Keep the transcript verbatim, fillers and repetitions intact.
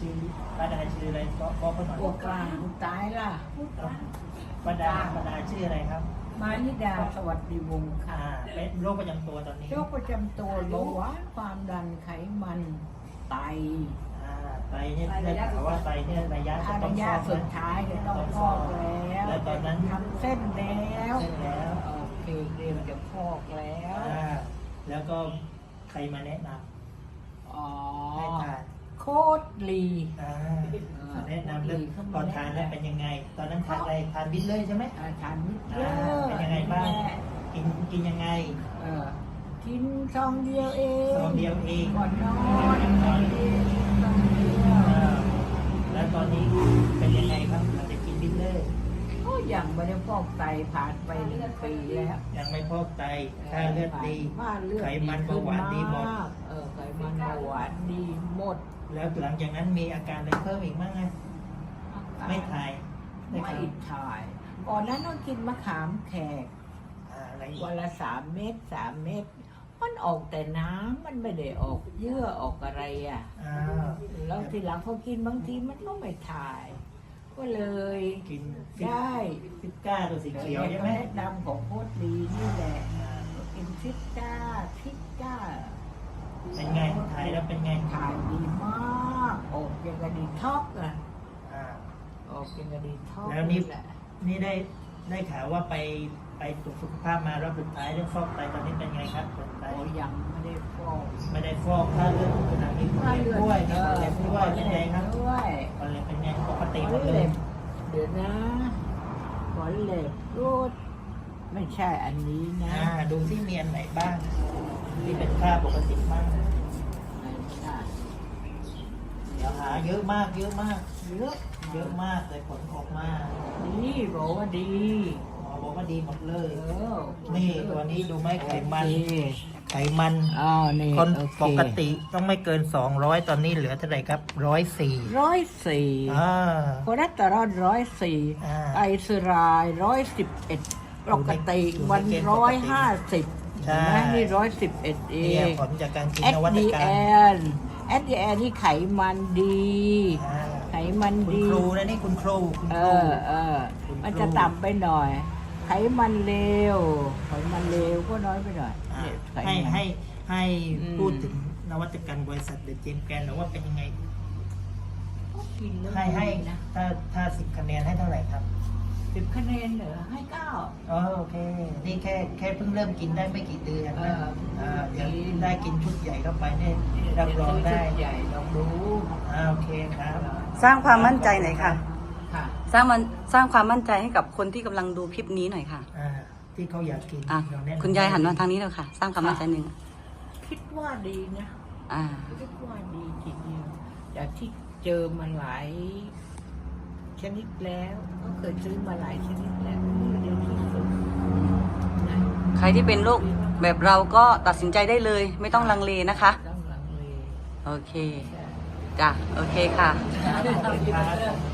ชื่อป้าดาชื่ออะไรบอกบอกเขาหน่อยตัวกลางตายล่ะป้าดาป้าดาชื่ออะไรครับมานิดาสวัสดิวงศ์ค่ะอ่าเป็นโรคประจำตัวตอนนี้โรคประจำตัวเบาหวานความดันไขมันไตอ่าไตเนี่ยได้ข่าวว่าไตเนี่ยระยะจะอาต้อระงยะฟอกสุดนะท้ายจะต้องฟอกแล้วแล้วตอนนั้นทำเส้นแล้วเส้นแล้วโอเคเตรียมจะฟอกแล้วอ่าแล้วก็ใครมาแนะนอ๋อำให้ทานโคตรลีอ่าแนะนำเรื่องตอนทานแล้วเป็นยังไง ตอนนั้นทานอะไรทานบินเลยใช่ไหมอาจารย์นิดเดีอ่ายวเป็นยังไงบ้างกินกินยังไงเออกินซองเดียวเองซองเดียวเองก่อนนอนซองเดียวซองเดียวอ่าแล้วตอนนี้เป็นยังไงครับหลังจากกินบินเลยก็ยังไม่ได้ฟอกไตผ่านไปหนึ่งปีแล้วยังไม่พอกไตค่าเลือดดีค่าเลือดไขมันเบาหวานดีหมดเออไขมันเบาหวานดีหมดแล้วหลังจากนั้นมีอาการอะไรเพิ่มอีกบ้างไงไม่ถ่ายไม่ไม่ถ่ายถ่ายก่อนนั้นต้องกินมะขามแขกอ่าอะไรอีกวันละสามเม็ดสามเม็ดมันออกแต่น้ำมันไม่ได้ออกเยื่อออกอะไรอ่ะอ่าแล้วทีหลังพอกินบางทีมันก็ไม่ถ่าย ก็เลยกินได้ฟิตก้าตัวสีเขียวใช่ไหมแนะนำของโคตรดีนี่แหละกินฟิตก้าฟิตก้าเป็นไงถ่ายแล้วเป็นไงถ่ายดีมากออกอย่างกระดีท็อกอะอ่าออกอย่างกระดีท็อกแล้วนี่แหละนี่ได้ได้ข่าวว่าไปไปตรวจสุขภาพมารอบสุดท้ายเรื่องฟอกไตตอนนี้เป็นไงครับผลไตโอ้ยังไม่ได้ฟอกไม่ได้ฟอกค่าเลือดขนาดนี้คนเล็บด้วยมีคนเล็บด้วยเป็นไงครับด้วยคนเล็บเป็นไงปกติขหมอดเลเล็ยบเดี๋ยวนะขอเล็บรูดไม่ใช่อันนี้นะอ่าดูที่มีอันไหนบ้างที่เป็นค่าปกติบ้างไม่ใช่เดี๋ยวหาเยอะมากเยอะมากเยอะเยอะมากเลยผลออกมาดีบอกว่าดีหมอบอกว่าดีหมดเลยเออนี่ตัวนี้ดูไหมไขมันโอเคไขมันอ้าวนี่คนโอเคปกติต้องไม่เกินสองร้อยตอนนี้เหลือเท่าไหร่ครับร้อยสี่ร้อยสี่อ่าคอเลสเตอรอลร้อยสี่อ่าไตรกลีเซอไรด์ร้อยสิบเอ็ดปกติอยู่ในมันเกณฑ์ปร้กอยติห้าสิบใช่เห็นไหมนี่ร้อยสิบเอ็ดเอเนี่ยงผลจากการกินเอนวัตดีกรเอรมนเอสดีเอนี่ไขมันดีอ่าไขมันคุณดีครูนะนี่คุณครูคุณเอครูอเออคุณครูมันจะต่ำไปหน่อย ไขมันเลวไขมันเลวก็น้อยไปหน่อยอ่าเนี่ยไขให้มันให้ให้อืมพูดถึงนวัตกรรมบริษัทเดอะเจมแกนหรือว่าเป็นยังไงกินแล้วให้ให้ดีนะถ้าถ้าสิบคะแนนให้เท่าไหร่ครับสิบคะแนนเหรอให้เก้าอ๋อโอเค นี่แค่แค่เพิ่งเริ่มกินได้ไม่กี่เดือนเอนะออ่าเดี๋ยวได้กินชุดใหญ่เข้าไปเนี่ยรับรองได้ใหญ่ลองดูอ่าโอเคครับสร้างความมั่นใจหน่อยค่ะค่ะสร้างมันสร้างความมั่นใจให้กับคนที่กำลังดูคลิปนี้หน่อยค่ะอ่าที่เขาอยากกินอ่ะเรแนะนำคุณยายหันมาทางนี้แล้วค่ะ สร้างความมั่นใจหนึ่งคิดว่าดีนะอ่าคิดว่าดีจริงๆจากที่เจอมาหลายชนิดแล้วก็เคยซื้อมาหลายชนิดแล้วนี่เดียวที่สุดนะใครที่เป็นโรคแบบเราก็ตัดสินใจได้เลย ไม่ต้องลังเลนะคะต้องลังเลโอเค จ้ะ โอเคค่ะขอบคุณครับ